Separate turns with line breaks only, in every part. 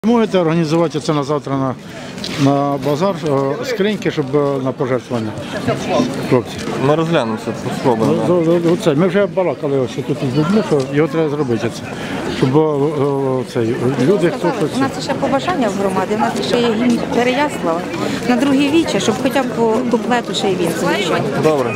Можете організувати це на завтра на базар, скриньки, щоб на пожертвування, хлопці.
Ми розглянемо це, спробуємо.
Ми вже балакали ось тут з людьми, що його треба зробити, щоб люди, хто хоче.
У нас ще побажання в громаді, у нас ще є гімн Переяслава, на друге віче, щоб хоча б по куплету ще й він залишив.
Добре.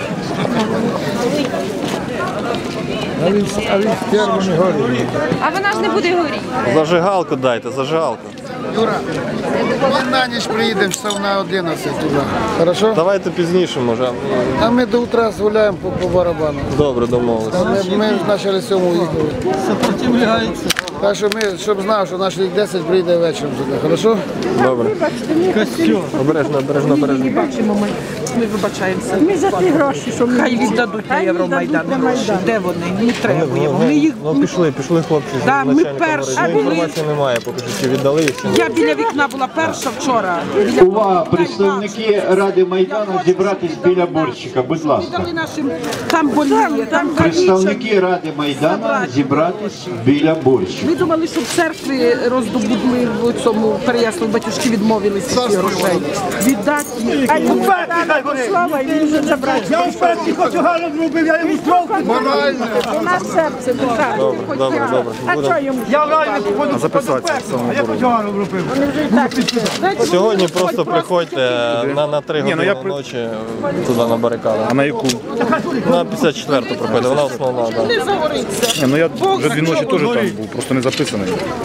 А він з первими горить.
А вона ж не буде горіти.
Зажигалку дайте, зажигалку.
Юра, ми на ніч приїдемо часов на 11 туди. Хорошо?
Давайте пізніше, може.
А ми до утра згуляємо по барабану.
Добре, домовилися.
Ми почали 7 їхали.
Сопротивляється.
Так що ми, щоб знав, що наш 10 прийде вечором сюди. Хорошо?
Добре. Обережно, обережно, обережно.
Ми вибачаємося. Ми за ті гроші, що хай віддадуть на Євромайдан гроші. Де вони? Не требуємо. Ми їх...
Ну пішли хлопці.
Да, ми
начальника
перші
говорили.
були.
Інформації немає, поки що чи віддали їх, чи ні.
Я біля вікна була перша вчора.
Увага, представники Ради Майдану, зібратись біля борщика, будь ласка.
Віддали нашим, там боліє, там
Представники Ради Майдану, зібратись біля борщика.
Ми думали, що в церкві роздобудли в цьому Переяславі, батюшки відмовилися від грошей. Віддати їх. Слава, і він вже забрав.
Я в першій хочу гарно зробив, я йому строк.
Морально.
У нас серце душа.
Добре, добре, добре. Будемо.
Я реально походу записатися. А я хочу гарно зробив.
Сьогодні просто приходьте на 3 години ночі туди на барикаду.
А на яку?
На 54-ту приходьте, вона основна. Да.
Не загориться.
Я вже 2 ночі теж там був, просто не записаний.